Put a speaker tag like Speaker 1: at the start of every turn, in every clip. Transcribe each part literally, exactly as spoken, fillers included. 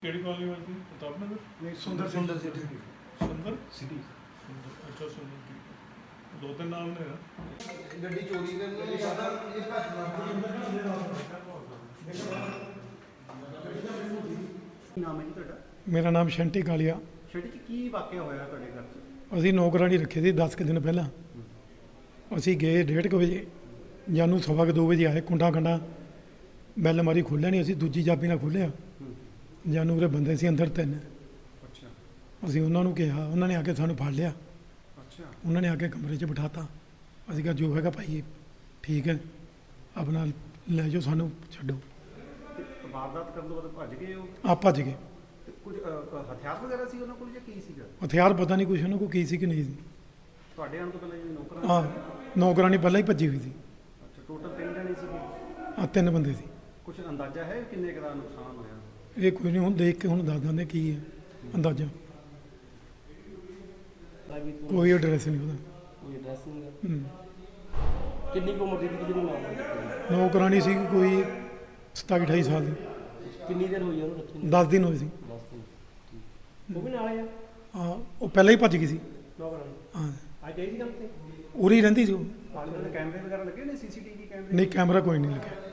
Speaker 1: ਕਿਹੜੀ ਕਾਲਨੀ ਵਰਤੀ ਪ੍ਰਤਾਪ ਨਗਰ
Speaker 2: ਨਹੀਂ ਸੁੰਦਰ ਸੁੰਦਰ ਸਿਟੀ
Speaker 1: ਸੁੰਦਰ
Speaker 2: ਸਿਟੀ
Speaker 1: ਅੱਛਾ ਸੁੰਦਰ ਠੀਕ ਦੋ ਤਿੰਨ ਨਾਮ ਨੇ ਨਾ
Speaker 2: ਗੱਡੀ ਚੋਰੀ ਕਰਨ ਨੂੰ ਜ਼ਿਆਦਾ ਇਹ ਘੱਟ ਨਾਮ ਹੈ ਜੀ ਤੁਹਾਡਾ?
Speaker 3: ਮੇਰਾ ਨਾਮ ਸ਼ੰਟੀ ਕਾਲੀਆ।
Speaker 2: ਛੇੜੀ ਚ ਕੀ ਵਾਕਿਆ ਹੋਇਆ ਤੁਹਾਡੇ ਘਰ 'ਚ?
Speaker 3: ਅਸੀਂ ਨੌਕਰਾਣੀ ਰੱਖੇ ਸੀ ਦਸ ਕੁ ਦਿਨ ਪਹਿਲਾਂ। ਅਸੀਂ ਗਏ ਡੇਢ ਕੁ ਵਜੇ, ਜਾਨੂੰ ਸਵਾ ਕੁ ਦੋ ਵਜੇ ਆਏ। ਕੁੰਡਾ ਕੰਡਾ ਬੈਲ ਮਾਰੀ ਖੋਲ੍ਹਿਆ ਨਹੀਂ, ਅਸੀਂ ਦੂਜੀ ਚਾਬੀ ਨਾਲ ਖੋਲ੍ਹਿਆ। ਜਾਨੂੰ ਉਰੇ ਬੰਦੇ ਸੀ ਅੰਦਰ ਤਿੰਨ।
Speaker 2: ਅੱਛਾ
Speaker 3: ਅਸੀਂ ਉਹਨਾਂ ਨੂੰ ਕਿਹਾ, ਉਹਨਾਂ ਨੇ ਆ ਕੇ ਸਾਨੂੰ ਫੜ ਲਿਆ।
Speaker 2: ਅੱਛਾ
Speaker 3: ਉਹਨਾਂ ਨੇ ਆ ਕੇ ਕਮਰੇ 'ਚ ਬਿਠਾਤਾ। ਅਸੀਂ ਕਿਹਾ ਜੋ ਹੈਗਾ ਭਾਈ ਠੀਕ ਹੈ, ਆਪਣਾ ਲੈ ਜਾਓ, ਸਾਨੂੰ ਛੱਡੋ।
Speaker 2: ਤੇ ਵਾਰਦਾਤ ਕਰਨ ਤੋਂ ਬਾਅਦ ਭੱਜ ਗਏ ਉਹ?
Speaker 3: ਆ ਭੱਜ ਗਏ।
Speaker 2: ਤੇ ਕੁਝ ਅ, ਹਥਿਆਰ ਵਗੈਰਾ ਸੀ ਉਹਨਾਂ ਕੋਲ ਜਾਂ ਕੀ ਸੀਗਾ?
Speaker 3: ਹਥਿਆਰ ਪਤਾ ਨਹੀਂ ਕੁਛ ਉਹਨਾਂ ਕੋਲ ਕੀ ਸੀ ਕਿ ਨਹੀਂ ਸੀ।
Speaker 2: ਤੁਹਾਡੇ ਆਉਣ ਤੋਂ ਪਹਿਲਾਂ ਜਿਹੜੀ ਨੌਕਰਾਂ
Speaker 3: ਆ ਨੌਕਰਾਣੀ ਪਹਿਲਾਂ ਹੀ ਭੱਜੀ ਹੋਈ ਸੀ।
Speaker 2: ਅੱਛਾ ਟੋਟਲ ਤਿੰਨ ਜਣੇ ਸੀਗੇ?
Speaker 3: ਆ ਤਿੰਨ ਬੰਦੇ ਸੀ।
Speaker 2: ਕੁਝ ਅੰਦਾਜ਼ਾ ਹੈ ਕਿੰਨੇ ਕੁ ਦਾ ਨੁਕਸਾਨ ਹੋਇਆ?
Speaker 3: ਇਹ ਕੋਈ ਨਹੀਂ, ਹੁਣ ਦੇਖ ਕੇ ਹੁਣ ਦੱਸ ਦਿੰਦੇ ਕੀ ਹੈ ਅੰਦਾਜ਼ਾ। ਕੋਈ ਐਡਰੈਸ ਨਹੀਂ ਉਹਦਾ।
Speaker 4: ਕੋਈ ਐਡਰੈਸ ਨਹੀਂ ਹੈ।
Speaker 3: ਹੂੰ।
Speaker 4: ਕਿੰਨੀ ਕੁ ਉਮਰ ਦੀ ਸੀ ਜਿਹੜੀ ਮਾਮਲਾ?
Speaker 3: ਨੌਕਰਾਣੀ ਸੀ ਕੋਈ ਸਤਾਈ ਅਠਾਈ ਸਾਲ ਦੀ।
Speaker 4: ਕਿੰਨੀ ਦੇਰ ਹੋਈ ਉਹਨੂੰ ਰੱਖੇ ਨੂੰ?
Speaker 3: ਦਸ ਦਿਨ ਹੋਏ ਸੀ।
Speaker 4: ਦਸ ਦਿਨ। ਠੀਕ। ਉਹ ਵੀ ਨਾਲ ਆ
Speaker 3: ਹਾਂ, ਉਹ ਪਹਿਲਾਂ ਹੀ ਭੱਜ ਗਈ ਸੀ।
Speaker 4: ਨੌਕਰਾਣੀ
Speaker 3: ਹਾਂ,
Speaker 2: ਅੱਜ ਆਈ ਸੀ ਕੰਮ ਤੇ?
Speaker 3: ਉਰੀ ਹੀ ਰਹਿੰਦੀ ਸੀ ਉਹ।
Speaker 2: ਪਾਣੀ ਦੇ ਕੈਮਰੇ ਵਗੈਰਾ ਲੱਗੇ ਨੇ, ਸੀਸੀਟੀਵੀ ਕੈਮਰੇ?
Speaker 3: ਨਹੀਂ, ਕੈਮਰਾ ਕੋਈ ਨਹੀਂ ਲੱਗਿਆ।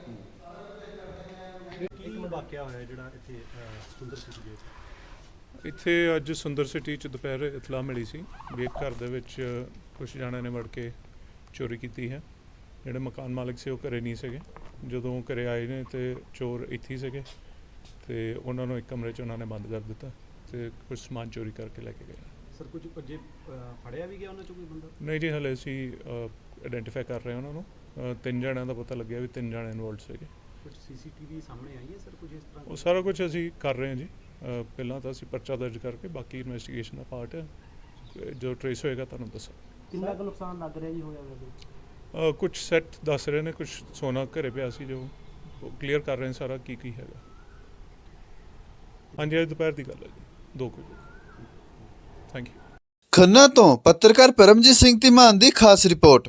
Speaker 2: ਇੱਕ ਵਾਕਿਆ ਹੋਇਆ ਜਿਹੜਾ ਇੱਥੇ ਸੁੰਦਰ ਸਿਟੀ ਦੇ ਵਿੱਚ?
Speaker 1: ਇੱਥੇ ਅੱਜ ਸੁੰਦਰ ਸਿਟੀ ਚ ਦੁਪਹਿਰ ਇਤਲਾਹ ਮਿਲੀ ਸੀ ਵੀ ਇੱਕ ਘਰ ਦੇ ਵਿੱਚ ਕੁਝ ਜਣਿਆਂ ਨੇ ਵੜ ਕੇ ਚੋਰੀ ਕੀਤੀ ਹੈ। ਜਿਹੜੇ ਮਕਾਨ ਮਾਲਕ ਸੀ ਉਹ ਘਰੇ ਨਹੀਂ ਸੀਗੇ। ਜਦੋਂ ਘਰੇ ਆਏ ਨੇ ਤੇ ਚੋਰ ਇੱਥੇ ਹੀ ਸੀਗੇ ਤੇ ਉਹਨਾਂ ਨੂੰ ਇੱਕ ਕਮਰੇ 'ਚ ਉਹਨਾਂ ਨੇ ਬੰਦ ਕਰ ਦਿੱਤਾ ਤੇ ਕੁਝ ਸਮਾਨ ਚੋਰੀ ਕਰਕੇ ਲੈ ਕੇ ਗਏ।
Speaker 2: ਸਰ ਕੁਝ ਜੇ ਫੜਿਆ ਵੀ ਗਿਆ ਉਹਨਾਂ ਚੋਂ ਕੋਈ ਬੰਦਾ?
Speaker 1: ਨਹੀਂ ਜੀ, ਹਲੇ ਅਸੀਂ ਆਇਡੈਂਟੀਫਾਈ ਕਰ ਰਹੇ ਹਾਂ ਉਹਨਾਂ ਨੂੰ। ਅ, ਤਿੰਨ ਜਣਿਆਂ ਦਾ ਪਤਾ ਲੱਗਿਆ ਵੀ ਤਿੰਨ ਜਣੇ ਇਨਵੋਲਡ ਸੀਗੇ।
Speaker 2: ਕੁਝ ਸੀਸੀਟੀਵੀ ਸਾਹਮਣੇ ਆਈ ਹੈ ਸਰ ਕੁਝ ਇਸ ਤਰ੍ਹਾਂ?
Speaker 1: ਉਹ ਸਾਰਾ ਕੁਝ ਅਸੀਂ ਕਰ ਰਹੇ ਹਾਂ ਜੀ। ਅ, ਪਹਿਲਾਂ ਤਾਂ ਅਸੀਂ ਪਰਚਾ ਦਰਜ ਕਰਕੇ ਬਾਕੀ ਇਨਵੈਸਟੀਗੇਸ਼ਨ ਦਾ ਪਾਰਟ ਹੈ, ਜੋ ਟ੍ਰੇਸ ਹੋਏਗਾ ਤੁਹਾਨੂੰ ਦੱਸਾਂ।
Speaker 4: ਕਿੰਨਾ ਕੁ ਨੁਕਸਾਨ ਲੱਗ ਰਿਹਾ ਜੀ ਹੋਇਆ ਵੈਸੇ?
Speaker 1: ਕੁਝ ਸੈੱਟ ਦੱਸ ਰਹੇ ਨੇ, ਕੁਝ ਸੋਨਾ ਘਰੇ ਪਿਆ ਸੀ ਜੋ ਕਲੀਅਰ ਕਰ ਰਹੇ ਨੇ ਸਾਰਾ ਕੀ ਕੀ ਹੈਗਾ। ਹਾਂਜੀ, ਅੱਜ ਦੁਪਹਿਰ ਦੀ ਗੱਲ ਹੈ ਜੀ, ਦੋ ਕੁ ਵਜੇ। Thank you.
Speaker 5: ਖੰਨਾ ਤੋਂ ਪੱਤਰਕਾਰ ਪਰਮਜੀਤ ਸਿੰਘ ਧੀਮਾਨ ਦੀ ਖਾਸ ਰਿਪੋਰਟ।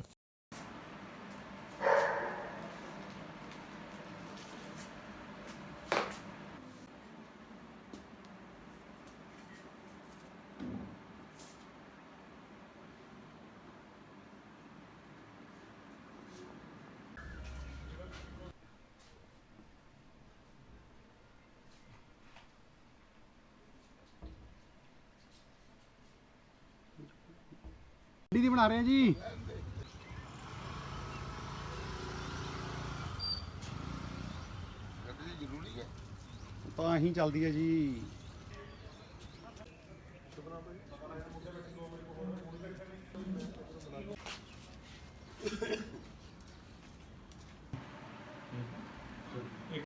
Speaker 2: ਗੱਡੀ ਦੀ ਬਣਾ ਰਹੇ ਆ ਜੀ। ਗੱਡੀ ਜ਼ਰੂਰੀ ਹੈ ਤਾਂ ਹੀ ਚੱਲਦੀ ਹੈ ਜੀ।